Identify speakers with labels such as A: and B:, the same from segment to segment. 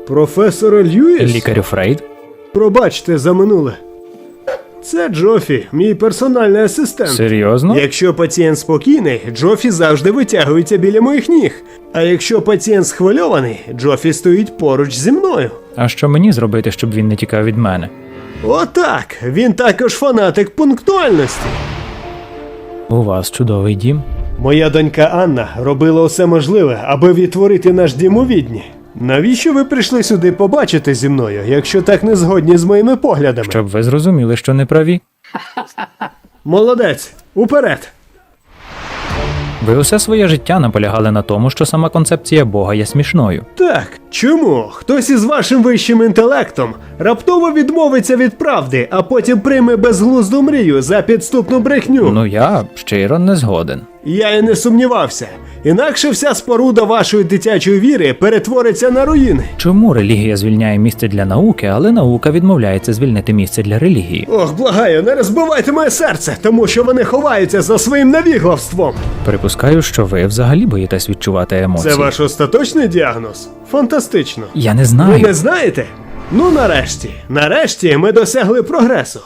A: Професора Льюіс?
B: Лікарю Фрейд?
A: Пробачте за минуле. Це Джофі, мій персональний асистент.
B: Серйозно?
A: Якщо пацієнт спокійний, Джофі завжди витягується біля моїх ніг. А якщо пацієнт схвильований, Джофі стоїть поруч зі мною.
B: А що мені зробити, щоб він не тікав від мене?
A: Отак, він також фанатик пунктуальності.
B: У вас чудовий дім.
A: Моя донька Анна робила усе можливе, аби відтворити наш дім у Відні. Навіщо ви прийшли сюди побачити зі мною, якщо так не згодні з моїми поглядами?
B: Щоб ви зрозуміли, що не праві.
A: Молодець, уперед!
B: Ви усе своє життя наполягали на тому, що сама концепція Бога є смішною.
A: Так, чому хтось із вашим вищим інтелектом раптово відмовиться від правди, а потім прийме безглузду мрію за підступну брехню?
B: Ну я щиро не згоден.
A: Я і не сумнівався. Інакше вся споруда вашої дитячої віри перетвориться на руїни.
B: Чому релігія звільняє місце для науки, але наука відмовляється звільнити місце для релігії?
A: Ох, благаю, не розбивайте моє серце, тому що вони ховаються за своїм навіглавством.
B: Припускаю, що ви взагалі боїтесь відчувати емоції.
A: Це ваш остаточний діагноз? Фантастично.
B: Я не
A: Ви
B: знаю.
A: не знаєте? Ну нарешті ми досягли прогресу.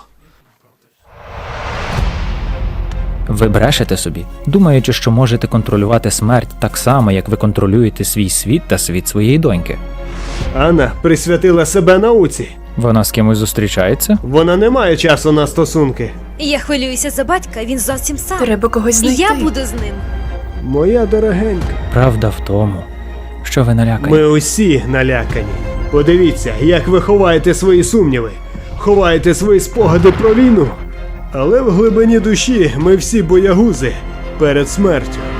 B: Ви брешете собі, думаючи, що можете контролювати смерть так само, як ви контролюєте свій світ та світ своєї доньки.
A: Анна присвятила себе науці.
B: Вона з кимось зустрічається?
A: Вона не має часу на стосунки.
C: Я хвилююся за батька, він зовсім сам.
D: Треба когось
C: І
D: знайти.
C: я буду з ним.
A: Моя дорогенька.
B: Правда в тому, що ви налякані.
A: Ми усі налякані. Подивіться, як ви ховаєте свої сумніви, ховаєте свої спогади про війну. Але в глибині душі ми всі боягузи перед смертю.